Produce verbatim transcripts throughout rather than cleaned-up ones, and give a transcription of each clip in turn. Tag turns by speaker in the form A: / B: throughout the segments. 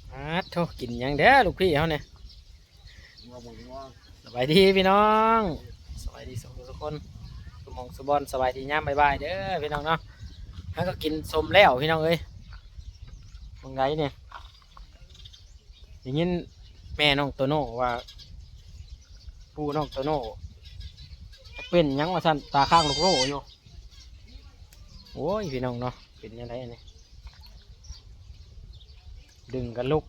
A: อ่าโทกินหยังเด้อลูกพี่เขาเนี่ยสบายดีพี่น้องสบายดีทุกคนสมองสบอนสบายดีย่ามบายบายเด้อพี่น้องเนาะแล้วก็กินสมแล้วพี่น้องเอ้ยตรงไหนเนี่ยอย่างนี้แม่น้องโตโน่ว่าปู่น้องโตโน่เป็นหยังว่าสั่นตาข้างลูกโลอยู่โอ้ยพี่น้องเนาะเป็นยังไงเนี่ยดึงกันลุก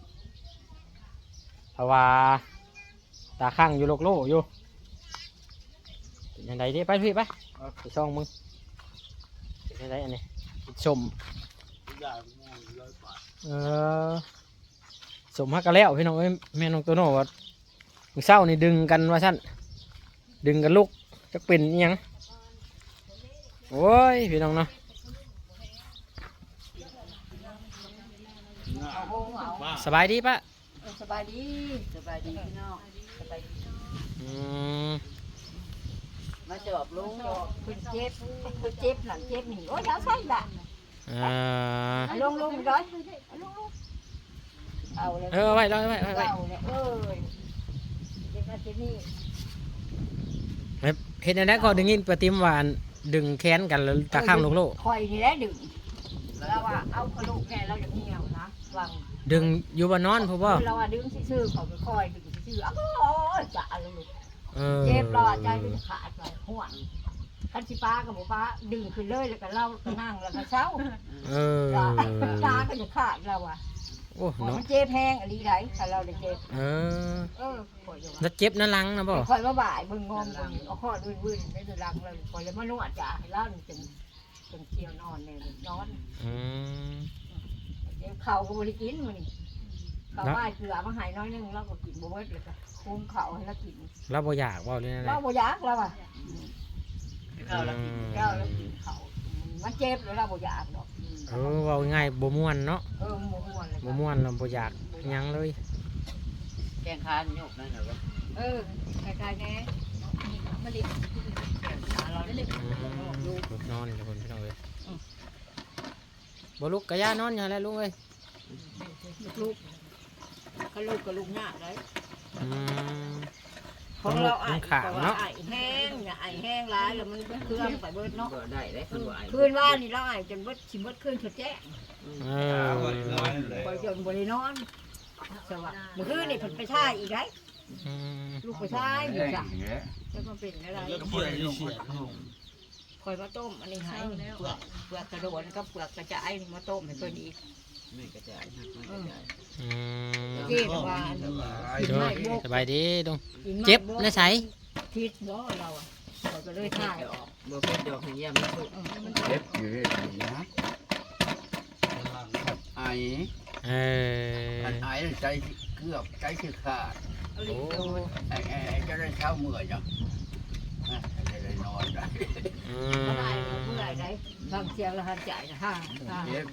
A: เพราะว่าตาข้างอยู่โลกโลอยู่เป็นยังไงดิไปพี่ไปไปช่องมึงเป็นยังไงอันนี้กินสมเออสมฮักกะแล้วพี่น้องเอ้ยแม่น้องโตโน่ว่ามึงเศร้านี่ดึงกันว่าสั้นดึงกันลุกจะเป็นยังโอ้ยพี่น้องเนาะสบายดีปะ
B: สบายดีสบายดีพี่น้องสบายดี
A: อืม
B: มาจอบลุงคุณเจ็บคุณเจ็บหลังเจ็บหนีโอ้ยเอาใช่ละ
A: อ่า
B: ลงลงร้อยลงลงเอาเลย
A: เออไว้ไว้ไว้ไว้
B: เอาเลยเออเจ็บมาเจ็บนี่
A: เห็นอะไรก็ดึงยินประติมหวานดึงแขนกันแล้วตาข้างลูกโลก
B: คอยนี่แหละดึงแล้วว่าเอากระดูกแกเราอย่างเงี้ยนะวาง
A: ดึงอยู่บนนอนพ่อพ่อ
B: เราว่าดึงซื่อๆเขาไปคอยดึงซื่อๆอ้าวจะอะไรลูก
A: เ
B: จ็บรอใจจะขาดไปห่วงคันสิป้ากับหมูป้าดึงขึ้นเลยแล้วก็เล่าก็นั่งแล้วก็เช้า
A: เออ
B: ตาก็จะขาดเราอ่ะ
A: โอ้เนาะ
B: มันเจ็บแห้งอะไรไรถ้าเราได้เจ็บ
A: เออ
B: เออ
A: แล้วเจ็บนั่นลังนะบ่
B: คอยมาบ่ายบึงงอมบึงเอาข้อดื้อบึ้นไม่ได้รังเลยคอยเลยมานวดจ่าให้เล่าจนจนเที่ยวนอนเนี่ยนอน
A: อืม
B: เข่าก็บริกินมันนี่เข่าบ่ายเกลือมาหายน้อยนึงเราก็กินบ่เบิดเลยค่ะคุมเข่าให้เรากิน
A: เราบ่อยากว่าเลยนะ
B: เราบ่อยากเราอ่ะเราเรากินเราเรากินเข่ามันเจ็บแล้วเราบ่อยากดอก
A: เออว่าง่ายบ่ม่วนเนาะ
B: เออบ่ม่วนเลย
A: บ่ม่วนเราบ่อยากยังเลย
B: แกงคานโยกนั่นเหรอเออคล้ายๆแน่มาดิเราได้เลย
A: ลูกนอนอยู่คนพี่น้องเลยบ่ลุกกะย่านอนอย่างไรลุงเอ้ย
B: ลูกก็ลูกกับลูกหน้าได้
A: อืม
B: ของเราไอ้ขาเนาะไอ้แห้งเนี่ยไอ้แห้งร้ายแล้วมันเครื่องไปเบิดเนาะ
C: ได้ได้คืนว่า
B: คืนว่านี่เราไอ้จนเบิดชิมเบิดคืนฉุดแจ้ง
A: เออ
B: ไปจนบริโนอนสวัสดิ์เมื่อคืนนี่ผลไปช่ายอีกได้ลูกไปช่ายอยู่จ้ะจะมาเป็นอะไรคอยมาต้มอันนี้ให้เปลือกเปลือกกระโดดก็เปลือกกระจายนี่มาต้มให้เพิ่นอีก
C: ไม่กระจายไม่กระจาย
A: อืม
B: เจ็บว่า
A: สบายดีดงเจ็บในใส
B: ทิศบ่เราอ่ะเราก็เลยถ่ายออก
C: บ่เป็นดอกให้ยามมันสุก
D: เจ็บอยู่นะไอ
A: เออ
D: ไอใจเกือบใจคือขาด
A: โอ้
D: ไอ้ไอ้จะได้เช้าเมื่อยจ้ะจะได้นอนได้
A: อื
B: มเมื่อไหร่ได้บางเสียงละหันใจนะฮะ
D: เจ็บ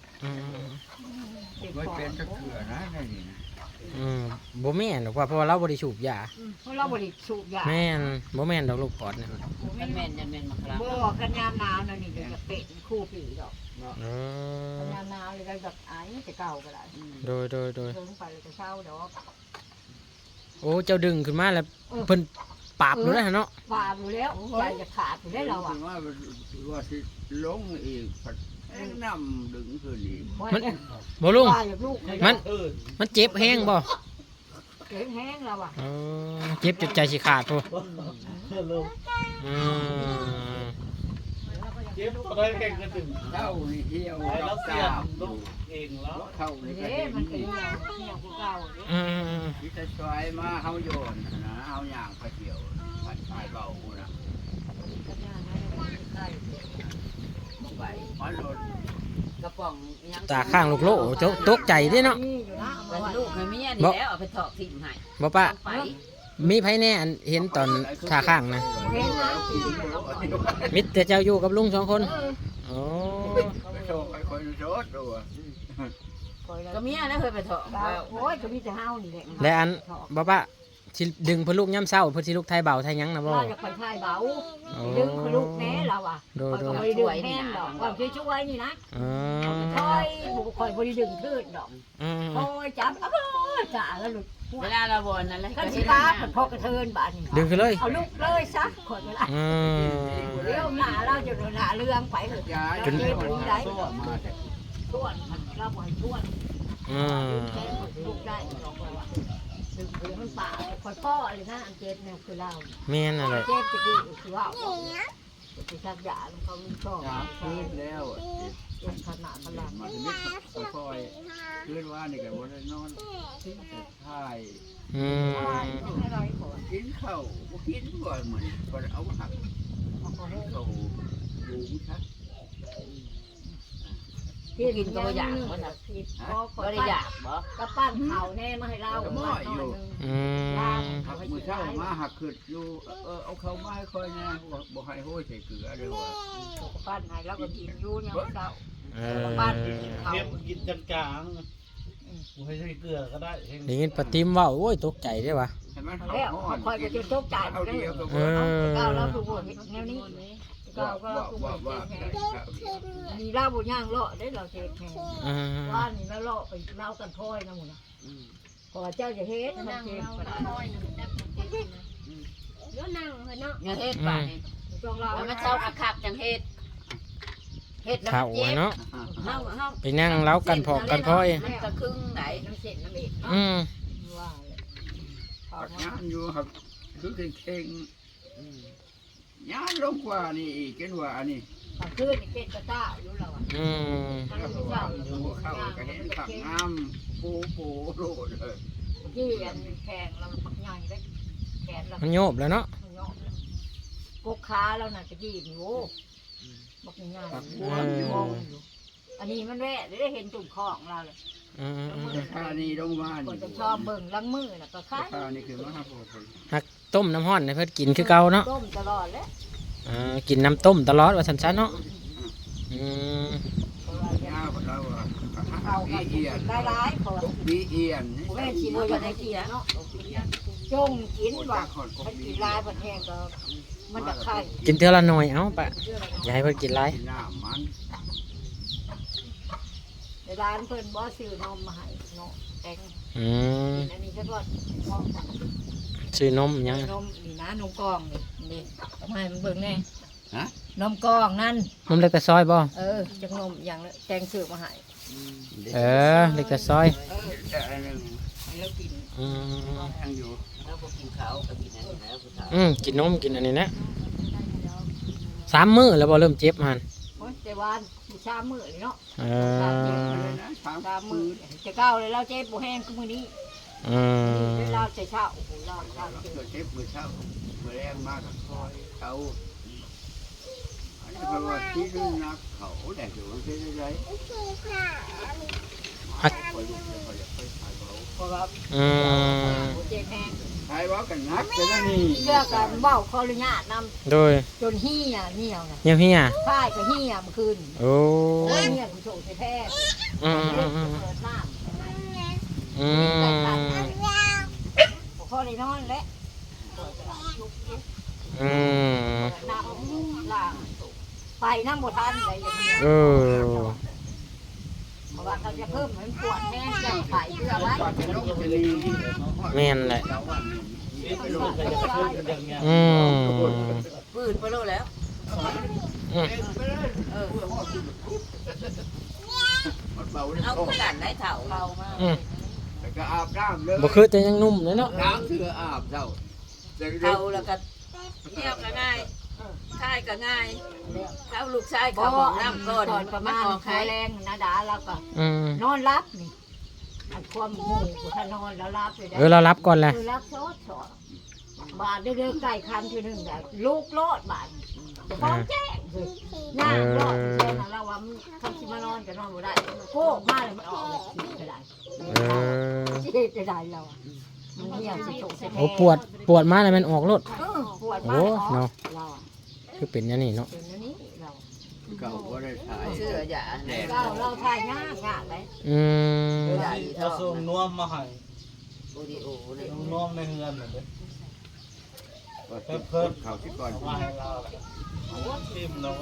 D: ไม่เป็นจะเกลือนะนี่นะ
A: อืมบ่แม่นหรอกว่าเพราะเราบ่ได้สูบยา
B: เพราะเราบ่ได้สูบยา
A: แม่นบ่แม่นดอกลูกปอดเนี่ย
B: มันแม่นยันแม่นมาครับบ่กันยามหนาวนั่นนี่จะเป็นคู่ปีดอก
A: เออ
B: กันยามหนาวเลยก็แบบไอ้จะเก่าก็ได้
A: โดยโดยโดย
B: ลงไปเลยจะเช้าดอก
A: โอ้เจ้าดึงขึ้นมาแล้วเพิ่นปราบอยู่แล้วเนาะ
B: ปราบอยู่แล้วใจจะขาดอยู่ได้เราอ่ะ
D: ว่าว่าสิลงอีกน้ำดึงขึ้นอีก
A: มันบ่ลุงมันมันเจ็บแห้งบ่
B: เจ็บแห้งเราอ่ะ
A: เออเจ็บจนใจสิขาดตัวอืม
C: เจ็บอะไรแก่งกระดึง
D: เท่านี่เที่ยว
C: เราเสียลูกเองแล้ว
D: เท่านี่ก็
B: เด้มันเป็นอย่างเที่ยวกูเก่า
A: อืม
D: ที่จะช่วยมาเฮาโยนนะเฮาย่างไปเที่ยวปัดปลายเบานะไปมันโดน
C: กระป๋อง
A: ตาข้างลูกโลเจ้าตกใจด้วยเนาะ
C: ลูกให้เมียนี่แล้วเอาไปถอกทิ้งให้
A: บ่ป้ามีไผแน่เห็นตอนตาข้างนะมิตรแต่เจ้าอยู่กับลุงสองคนโอ้
B: ก็เมียนะเคยไปถอก
C: โอ้
B: ยก็มีแต่เฮานี่แหละ
A: และอันบ่ป้าสิดึงเพิ่นลูกย่ำเช้าเพิ่นสิลูกไทยเบาไทยหยังนะบ่
B: เราจะไปทายเบา
A: โอ้
B: ดึงคือลูกแม่เราอ่ะ
A: โดย
B: คอย
A: โด
B: ก็
A: ย
B: บ่ได้ดึงแม่นดอกว่าช่วยๆนี่นะ
A: อ๋อ
B: คอยบุคอยบ่ได้ดึงทื่นดอก
A: อืม
B: คอยจับอ้าวจ่าแล้วหลุด
C: เวลาเราบ่นนั่นแหละ
B: คันสิป้าเพิ่นพอกระเทินบาดนี้
A: ดึงขึ้นเลย
B: เอาลูกเลยซะคอยเวลา
A: อืม
B: เดี๋ยวหน้าเราจะหน้าเรื่องไปเถอะ
D: ย้าย
A: จน
D: มาได้
B: ส่วนมันเราบ่ให้ส่วน
A: อืม
B: แค่ลูกได้ดอกว่าดึงคือมันป่าคอยพ่อเลยนะอันเจ็บเนี่ยคือเรา
A: แม่นอะไร
B: เจ็บจะดีคือว่าจะชักยาลงเขาลูกชอบ
D: ยาพื้นแล้ว
B: เจ็บขนาดพลัง
D: มาถึงนิดค่อยๆพื้นว่านี่ก็บ่ได้นอนถ่าย
A: อืม
B: ให้เราให้ผล
D: กินข้าวบ่กินก่อนมื้อนี้ก็เอาหักเข้าดูชัด
C: กินก็บ่อยากบ่น่ะ
B: ผิด
C: บ่ได้อยากบ่
B: กระปั้นเข่าแน่มาให้เรา
A: อืม
D: หักมือเช้ามาหักขึ้นอยู่เออเอาเข้ามาให้ค่อยนะบ่บ่ให้โห้ยใส่เกลือเด้อว่าก
B: ระปั้นให้เราก็กินอยู่เนี่ยเช้า
A: เออ
B: บ้านเขา
C: เก็บกินกลางๆบ่ให้ใส่เกลือก็ได้
A: ได้ยินปะติมเว้าโอ้ยตกใจเด้อวะ
D: ให้มัน
B: แล้ว
D: ฮ้อน
B: คอยก็จะตกใจ
D: เอา
B: ได้
D: เดียวก็
A: เอ
D: บ่
A: อ
B: ก้าวเราถูกบทแนวนี้ก้าวก็
D: ว่า
B: ถูกบ
D: ว่า
B: ท
D: ว่า
B: มีเล่าบุญย่างเลาะได้เราเจ็บแทน
A: อืม
B: ว่านี่แล้วเลาะไปเล่ากันพ้อยนะหมูนะพอเจ้าจะเฮ็ดมันเจ็บก็ได้
C: อย่าเฮ็ดป่านนี้
B: ต้องเล่า
C: แล้วมันเศร้าคักๆจังเฮ็ดเฮ็ดแล้ว
A: เฒ่า
C: เจ็บ
A: เนาะ
C: เฮาเฮา
A: ไปนั่งเล้ากันพอกกันพ้อย
C: มันก็ครึ่งไหน
B: น้ำเส้นน้ำเอ็ด
A: อืม
B: ว่าเลย
D: หักงานอยู่หักคือเข่งๆงานลงกว่านี่อีกกันว่าอันนี้
B: ตอนคืนนี่เป็นกระต้าอยู่เราอ่ะ
A: อืม
B: มัน
D: แล้ว
B: ไม่
D: ก็
B: เจ้า
D: ว่าอยู่เข้าก็เห็นขักงามโปโปโลดเลย
B: ที่อันแขงเราปักใหญ่ได้แขนเรา
A: มันโยบแล้วเนาะ
B: กกขาเราน่ะจะดีนี่โว้บักง่าย
D: ขัก
B: ๆ
D: บัวอยู่
B: อันนี้มันแวะได้เห็นตุ่มของเราเลย
A: อืมอืม
D: แต่ข้านี่ลงมา
B: คน
D: นี่
B: จะชอบเบิ่งล้างมือน่ะก็คล้าย
D: ข้านี่คือมหาโพธิ์
A: หักต้มน้ำห้อนให้เพิ่นกินคือเก่าเนาะ
B: ต้มตลอดแล้ว
A: อ่ากินน้ำต้มตลอดว่าซั่นๆเนาะอืม
D: ยาวกว่าเราอ่ะ
B: เอา
D: บี
B: กัน
D: เอียน
B: หลายๆพอ
D: บีเอียน
B: แม่ชีบ่ได้กินเนาะจงกินว่ามันกินลายบ่แห้งก็มันจะไข่
A: กินเท่าละหน่อยเอ้าปะอย่าให้เพิ่นกินหลาย
D: น้ำมัน
B: ในร้านเพิ่นบ่ซื้อนมมาให้เนาะแตง
A: อืม
B: อันนี้ก็ว่าพอ
A: ซื้อนมยัง
B: นมนี่นะนมกล่องนี่นี่ทำให้มันเบิ่งแน่
D: ฮะ
B: นมกล่องนั่น
A: นมเล็กแต่ซอยบ่
B: เออจังนมอย่างละแตงซื้อมาให้
A: เออเล็กแต่ซอย
B: เออ
D: แต่อันนึง
B: ให้เรากิน
A: อืม
D: ยังอยู่
C: แล้วบ่กินข้าวก็กินอันนี้แล้วผู้สาว
A: อืมกินนมกินอันนี้นะสามมื้อแล้วบ่เริ่มเจ็บมัน
B: โอ้ยแต่วานสิชามมื้อเลยเนาะ
A: เออ
D: เลยนะสาม
B: ชามมื้อจะก้าวเลยเราเจ็บบ่แห้งคือมื้อนี้
A: อืม
B: เวลาแต่เช้าโอ้โหเราเรา
D: เรา
B: เจ็บ
D: เกิดเจ็บมือเช้ามือแรงมากกับคอยเขาอันนี้เพราะว่าที่นู่นนักเขาแหละอยู่ที่ไหนไรคอยดูคอยคอยถ่ายเขา
B: เพราะว่า
A: อืม
B: เจ็บแห้ง
D: ถ่ายว่ากันนักแต่ละนี่
B: เชื่อกันเว้าขออนุญาตนำ
A: โดย
B: จนเหี้ยเหี่ยวน่ะ
A: เฮียเฮีย
B: ค่ายก็เหี่ยเมื่อคืน
A: โอ้
B: โอ้ยเหี่ยผู้โชคแท้
A: อืม
B: ๆ
A: อืมอืม
B: เปิดน้ำ
A: อืม
B: บ่พอได้นอนแล้ว
A: อืม
B: น้ำล่างไปน้ำบ่ทันเลยอย่างเงี้ย
A: เออ
B: เพราะว่าเขาจะเพิ่มให้มันปวดแน่จะไข่เพื่อไว้
D: ว่าจะลงจะดี
A: แม่นแหละ
D: เจ้าวันนี้ไปลงไป
A: อืม
C: ปืนไปโลแล้ว
A: อืม
C: เออ
D: มันเบาเลย
C: เอาคู่กันได้เฒ่าเรามา
A: อืม
D: แต่ก็อาบน้ำเลย
A: บ่คือแต่ยังนุ่มเลยเนาะ
D: น้ำเสืออาบเจ้า
C: เฒ่าแล้วก็เที่ยวก็ง่ายค่ายก็ง่ายเฒ่าลูกชาย
B: บ่
C: เขาบอก
B: น้ำ
C: น้ำ
B: ก่
C: ก่
B: อ
C: อน น
B: ประมาณ
C: ออก
B: ไข่
C: ไข่
B: แรงนะดาแล้วก็
A: อืม
B: นอนรับนี่อันความหูถ้านอนแล้วรับเลยได้
A: เออเรารับก่อนแหละ
B: คือรับโซดสอดบาดเด้อๆไก่คันทีหนึงได้ลูกโลดบาดจะฟ้องแจ้งเลยย่างรอดแจ้งแล้วว่ามันทำสิมานอนก็นอนบ่ได้โก้มาเลยมันออกเลยสิจะได้
A: เออ
B: สิจะได้เราอะมันเหี่ยวสิโฉกสิแท้
A: โอ้ปวดปวดมาแล้วมันออกรถ
B: เออปวด
A: โอ้
B: มาก
A: เนาะ
B: เราอะ
A: คือเป็นอย่างนี้เนาะ
B: เป็นอันนี้เรา
D: เก่าก็ได้ถ่าย
C: เสื้อหยาแดด
B: เราเราทายยากยากเลย
A: อืม
C: ใหญ่
E: เอาส่งนวมมาให้
C: โอดิโอเลย
E: ลุงน้อมในเฮือนเหมือนเดิม
D: เพิ่มเพิ่มเขาที่ก่อน
E: มาให้เราทิมแล้วก็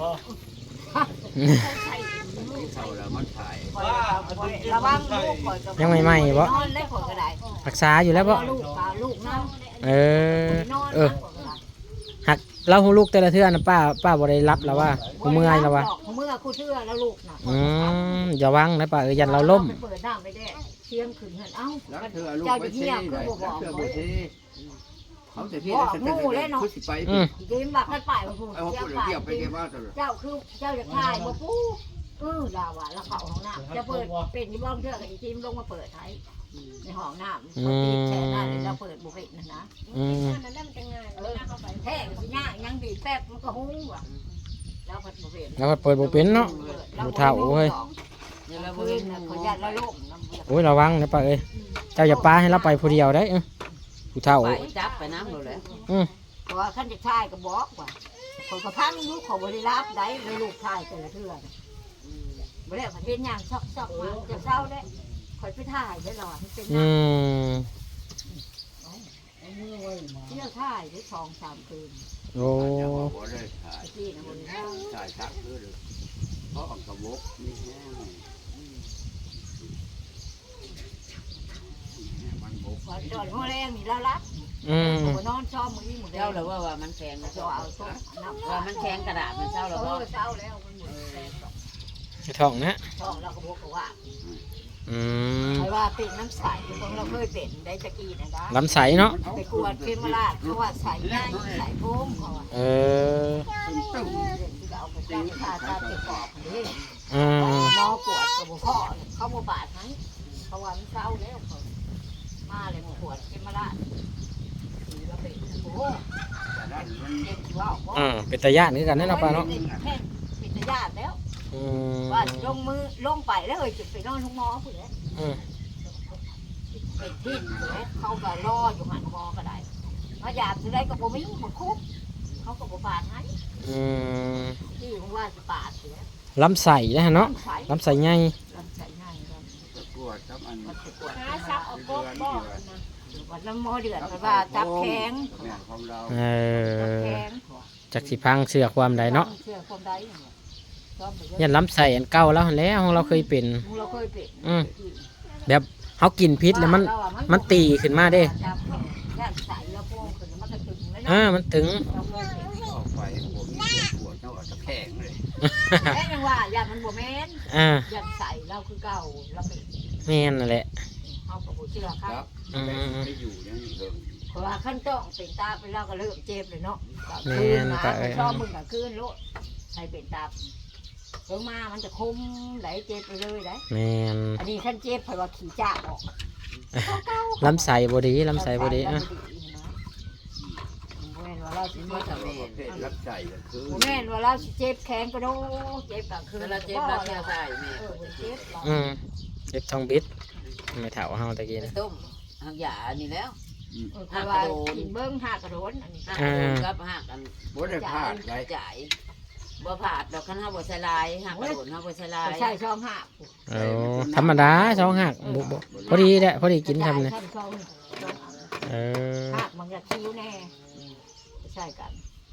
D: เขาแล้วมันถ่าย
B: ระวังลูกข่อยกับ
A: ยังไม่ไหม้บ่
B: นอนเล่ข่อยก็ได้
A: รักษาอยู่แล้วบ่
B: ลูกปลาลูกน้
A: เออ
B: ำนอน
A: เออหักเราหูลูกแต่ละเทื่อนะป้าป้าบ่ได้รับแล้วว่าหูเมื่อยแล้วว่า
B: เมื่อคู่เชื่อแล้วลูกน่ะ
A: อืมอย่าวังนะป้าเออยันเราล้ม
B: เปิดน้ำไปได้เที่ยงคืนเห็นเอ้า
D: แล้วเธอลูก
B: เจ้า
D: ไป
B: จะ
D: เที่
B: เที่
D: ย
B: ยว ว
D: ไหน
B: คือบ่บอก
D: เธอ
B: เล
D: ไป
B: ย
D: เที่เขาจะเที่ยวฉันจะคือสิไป
A: อืม
B: เดี๋ยวบักกันไปว่าพูด
D: เอา
B: เจ้า
D: คน
B: ไป
D: เที่ยวไปเกี่ยวว่าตลอด
B: เจ้าคือเจ้าจะขายบ่ปู้เออดาวว่าแล้วเขาห้องน้ำจะเปิดเป็นที่บ้องเชื่อกับอีจิมลงมาเปิดไทยในห้องน้ำเขาตีแช่ได้เลยเราเปิดบุฟเฟ่ต์นะนะ
A: อืม
B: นั่นมันจะง่ายเออแท้สิย่างยังบีบแป๊บมันก็หุ้งว่ะแล้วเปิดบุฟเฟ่ต์
A: แล้วก็เปิดบ่เป็นเนาะ ผู้เฒ่าเว้ย
C: เดี๋ยวเรา
B: คื
C: เบิ่
B: น
C: ง
B: น่ะขอยันละโลกน้ำเบื่อ
A: โอ้ยระวังนะป้าเอ้ยเจ้าอย่าป้าให้เราไปผู้เดียวได้เออผู้เฒ่า
C: ไปจับไปน้ำเราเลย
A: อืม
B: เพราะว่าขั้นจะชายก็บอกว่าคนกระพังลูกขอบริรับได้เลยลูกชายแต่ละเทื่อบ่ได้ประเทศย่างซอกๆมาจะเศร้าได้คอยไปถ่ายได้หรอมันเป็น
A: อื
B: ย่าง
A: ม
B: เที่ยวถ่ายได้สองสามคืน
A: โอ้
D: จะบอกว่าได้ถ่าย
B: ที่นะบนห้าง
D: ถ่ายชักคือเพราะของกระบอกนี่แห้งมันบก
B: พอจอดหัวแรงนี่แล้วรับ
A: อืม
B: หัวนอนชอบมือนี้หมด
C: เจ้าเราว่าว่ามันแข็งนะ
B: จะ
C: เจ้า
B: เอาตัวน้ำ
C: ว่ามันแข็งกระดาษมันเจ้า
B: เอ
C: เราว่า
B: อเศร้าแล้วมันหมดแรง
A: ท้องนะ
B: ช่องเราก็บอกว่า
A: อืม
B: ใครว่าเป็นน้ำใสของเราเคยเป็นได้ตะกี้นะนะ
A: ลำใสเนาะ
B: ไปกวดเคมาราดเขาว่าใส่ง่ายใส่โค้งเขาว่า
A: เออ
D: ตึ้ง
B: ที่เอาไปจ้างค่าตาเจ็บปอกนี่
A: อืม
B: นอกวดกับพ่อเขาโมบาดให้เขาว่ามันเศร้าแล้วเขามาเลยมาขวดเคมาราดสีเราเป็นโอ้โห
D: แต่ด้านมัน
B: เจ็บว่า
A: อืมเป็นตาย่านคือกันแน่เนาะป้าเนาะ
B: แค่ปิดญาติแล้ว
A: อืม
B: ว่าลงมือลงไปแล้วเฮ้ยจุดไปนอนทุกหมอผู้ใด
A: อืม
B: เป็นที่ผู้ใดเขาก็รออยู่หันหมอก็ได้มาหยาบสุดได้ก็บ่มีบ่คุบเขาก็บ่ปาดให้
A: อืม
B: ที่ผมว่าสิปาดเสีย
A: ลำใสนะฮะเนาะ
B: ลำไส้
A: ลำใสใหญ่
B: ลำไส้ง่ายลำ
D: ตะกรวดครับอัน
B: มันจะปวด
C: หาซับเอาโป๊ะบ่นะ
B: วันน้ำหมอเดือดเพราะว่าจับแข็ง
D: แม่ของเรา
A: เอ
B: จับ
A: อ
B: แข็ง
A: จากสิพังเสือความใดเนาะ
B: เชื่อความใดชอบไปเย
A: ยั
B: อะ
A: นลำใสอันเก่าแล้วหั่นแหล้วของเราเคยเป็น
B: เราเคยเป็น
A: อืม แบบเขากินพิษแล้วมันมันตีขึ้นมาเด้
B: จับแข็งย่านใส่แล้วโป้งขึ้นมันก็ตึงเลย
A: อ่า
B: เนาะ
A: มันถึง
B: เราเคยเป็น
D: ออกไปผมปวดเท่าตะแคงเลย
B: แค่ยังว่าย่านมันบ่แม่น
A: อ่า
B: ย่านใส่เราคือเก่าเราเป็น
A: แม่นนั่นแหละ
B: เอากระปุกเชื่อค
D: ค
B: รั
D: รั
B: บบ
D: ไม่อยู่นั่นเอง
B: เพราะว่าขั้นต้องเป็นตาไปแล้วก็เริ่มเจ็บเลยเนาะ
A: แม่
B: คืน
A: น
B: มา
A: ก็เอ้ย
B: ชอบมึงกับคืนโลดใครเป็นตาลงมามันจะคมไหลเจ็บไปเลยไหล
A: แม่น
B: อันนี้ขั้นเจ็บเพราะว่าขี่จ้าออก
A: ลำใสบ่ดีลำใสบ่ดีอ่ะ
B: แม่นว่าเราสิ
D: มา
B: เจ็บ
D: ทำประเภทรับใจก็คือ
B: แม่นว่าเราสิเจ็บแขนก็โดเจ็บกลางคืน
C: เวลาเจ็บเราเที่ยวใส่แม่
B: เออเจ็บเรา
A: อืมเจ็บท้องบิดไม่เท่าเฮาตะกี้
C: ไป
A: นะ
C: ต้มหางหยานี่แล้ว
B: เออเพราะว่ากินเบิ้งหักกระโดนอันนี้
C: หักกระโดนกับหักอัน
D: บ่ได้พลาดไร
C: จ่ายบ่ผาดดอกคันเฮาบ่ใส่ลายหักกระโดนเฮาบ่ใส่ลาย
B: ใช่ช่องหัก
A: โอ้ธรรมดาสองหักบ่บ่พอดีแหละพอดีกินทำเนี่ย
B: ช่ช่อง
A: เออ
B: หักมันจะคิ้วแน่ใช่กัน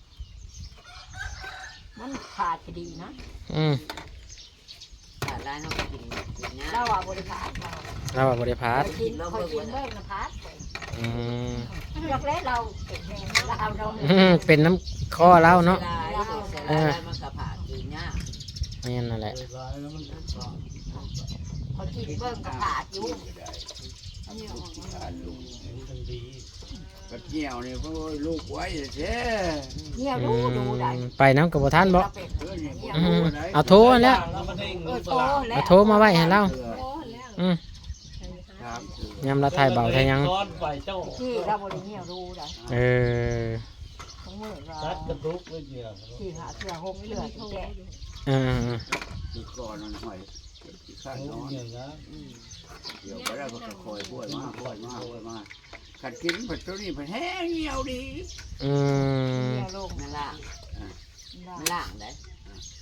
B: มันขาดพอดีนะ
A: อืม
C: ขาดลายเฮาก็กินกินนะ
B: เราว่าบริการเรา
A: เราว่าบ่ได้พาด
B: กินคอยกินเบิ้งนะพัด
A: อืม
B: ยกเล็กเราเป็นแม่เราเอาเรา
A: อืมเป็นน้ำคอเราเนาะ
C: ใส่ลายใส่ลายมันก็ผาดกินยาก
A: แม่นนั่นแหละ
E: ร้ายแล้วมัน
B: เขากินเบิ้งกระขาดอยู่
D: อันนี้ออกมาทานลูก
E: มันดี
D: กระเจียวนี่เพราะลูกไว้เด้
B: เนี่ย
A: อื
B: รู้ดูได้
A: มไปน้ำกับบ่ทันบ่
B: เราเป็น
D: เออนี่
A: อืมเอาโทรแล้ว
E: แล้วมันเด้ง
B: เออ
E: ต
B: โต
E: ลาด
B: แล้
A: เอา
B: ว
A: โทรมาไว้ให้เรา
D: เออ
A: อืม
D: ครับ
A: ยำละไทยเบาไทยยัง
E: ก้อนไฟเจ้า
B: ที่เราบริเนี่ยรู้ได้
A: เออ
B: ทั้งมือเรา
E: ซัดกระทุกเลยเดียว
B: ที่หาเสื้อห่มเลือดแกะ
A: เออ
D: ที่ก่อนนั่นหอยที่ข้างนอน
E: อย่างนั้น
D: เดี๋ยวไปแล้วก็คอยป่วยมากป่วยมากป่วยมากขัดกินผัดตัวนี้ผัดแห้งเหี่ยวดี
A: อืม
B: เนี่ยโลก
C: มันล่างมันล่างได้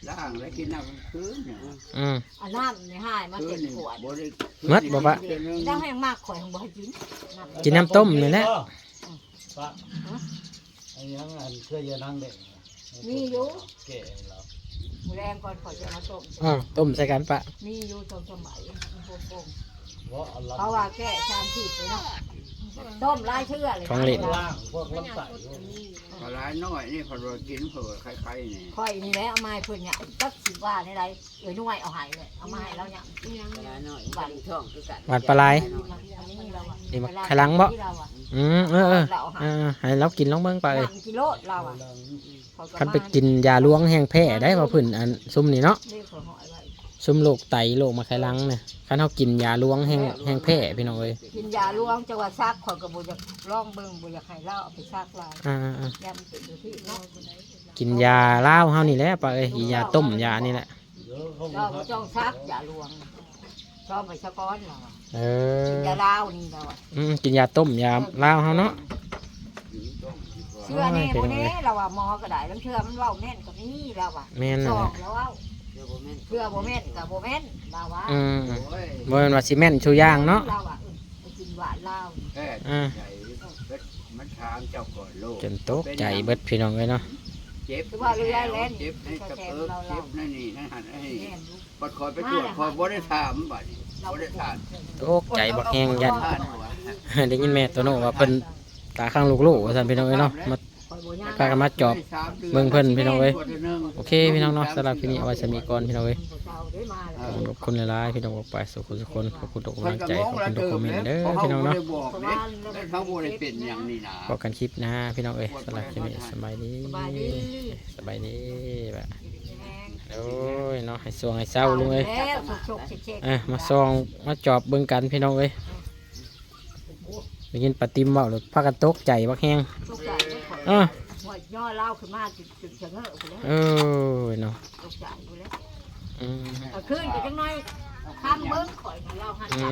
D: ล่างแล้วกินน้ำคืนเนี่ย
A: อืม
B: อันนั้นในห้ายมา
D: คื
B: เต็
D: น
B: ม
D: นี่
B: ขวด
D: บ่ได้
A: มัดบ่ปะ
B: แล้วให้มากข่อยของบ่ให้กิน
A: กินน้ำต้มนี่แหละ
E: ปะไอ้ยังอันเคยจะนั่งเด็กเก๋เรา
B: มื้อแรงก่อนข่อยจะมาต้ม
A: อ่าต้มใส่กันปะ
B: มีอยู่ตรงสมัยมันโป่ง
E: ว่าอัน
B: ๆเพราะว่าแก้ชามผิดเลยเนาะต้มหลายเทื่อเลย
E: ล่างพวกลำไส้
D: ปลาร้ายน้อยนี่พอเรากินเผื่อใครๆนี่
B: ข่อยนี่แหละเอามาให้เพิ่นเนี่ยจักสิว่าในใดเอ้ยนุ่ยเอาให้เลยเอามาให้เราเนี่ย
C: เวลาหน่อยบันท้องคือกัน
A: หวานปลาไหล
B: อันนี้เราอะ
A: นี่มาไข่หลังบ่
B: ที่เราอะ
A: อืมเออเออ
B: เราหา
A: เออให้เรากินลองเบิ่งไป
B: หนังกิโลเราอะ
A: คันไปกินยาลวงแห้งแพ้ได้บ่เพิ่นอันซุ่มนี่เนาะ
B: เรียกข่อยหอยไว้
A: ซุ่มโรคไตโรคมะไข่หลังเนี่ยคันเฮากินยาลวงแห้งแห้งแพ้พี่น้องเอ้ย
B: กินยาลวงจังหวัดซักข่อยก็บ่อยากลองเบิ่งบ่อยากให้เราเอาไปซักลาย
A: อ่าๆ
B: ยามเป็นอยู่ที่เนาะ
A: ๆกินยาลาวเฮานี่แหละปะเอ้ยอียาต้มยานี่แหละ
E: เยอะเขา
B: เราบ่ต้องซักยาลวงชอบไปสะก้อนเราอะ
A: เอ
B: กิน
A: อย
B: าลาวนี่เราอะ
A: อืมกินยาต้มยาลาวเฮาเนาะ
B: เชื่อแน่บ่แน่เราอะหมอก็ได้แล้วเชื่อมันเว้าแม่นก็มีเราอะ
A: แม่น
B: ส
A: นั่น
B: อ
A: แหละ
B: งแล้วเว้า
C: เดี๋ยวบ่แม่น
B: เชื่อบ่แม่นก็บ่แม่นเราว่า
A: อืม
D: โอ้ย
A: บ่แม่นว่าสิแม่นชูย่างเนาะ
B: เราอะเออไปกินหวานลาว
D: แค่ใจมันถามเจ้าก่อนโลก
A: จนตกใจเบิดพี่น้องเอ้ยเนาะ
D: เจ็บ
B: คือว่าเรือแล่น
D: เจ็บในกระเปิกเจ็บนั่นนี่นั่นหันนั่นนี่
B: แม่นอยู่
D: บัดคอยไปตรวจคอยบ่ได้ถามบัดนี้
B: เรา
D: บ่ได้ถาม
A: ตกใจบักแฮงยัน
D: ท่านหัว
A: ได้ยินแม่ตัวโน้ว่าเพิ่นตาข้างลูกๆว่าซั่นพี่น้องเอ้ยเนาะมา
B: ข่อยบ่ย่าง
A: พากันมาจอบเบิ่งเพิ่นพี่น้องเอ้ยโอเคพี่น้องเนาะสำหรับคลิปนี้เอาไว้สมีก่อนพี่น้องเอ้ย
B: เจ้าได้มาแล้ว
A: ขอบคุณหลายๆพี่น้องออกไปสุขสุขคนขอบคุณทุก
D: เพิ่
A: กำลั
D: น
A: ง
D: ก็
A: ใจ
D: ม
A: ข
D: อ
A: อง บ
D: ละ
A: คุณทุก
D: เติ
A: คอ
D: ม
A: มเมน
D: เด้
A: ต์เด้อ
D: เขา
A: พี่น้อง
D: บ่
A: เนาะ
D: ได้บอกเด้แล้วเขาบ่ได้เป็นอย่างนี้นะ
A: พบกันคลิปหน้าพี่น้องเอ้ยสำหรับคลิปนี้สบายดี
B: สบายดี
A: สบายดีแบบ
B: แห้ง
A: โอ้ยเนาะให้สวงให้เศร้าลุงเอ้ย
B: แล้วสุกๆเช็คๆ
A: อ่ะมาซองมาจอบเบิ่งกันพี่น้องเอ้ยได้ยินปาติมเว้าหรือพากันตกใจบักแฮง
B: ตกใจไม่ข่อย
A: อ้อ
B: หัวย่อเล่าขึ้นมาจุดจุดเฉงอะไปแล้ว
A: เออเนาะ
B: ตกใจไปแล้ว
A: อืม
B: เอาขึ้นไปจังหน่อยข้ามเบิ้งข่อยของเราหันใจ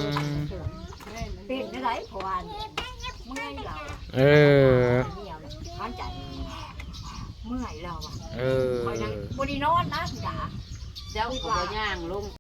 B: เป็นได้ไรเพราะว่าเมื่อยเรา
A: เออ
B: เหี่ยวเลยหันใจเมื่อยเราอ่ะ
A: เออ
B: ข่อยนั่งบนนอนนะจ๋า
C: เจ้าก็บ่ย่างลง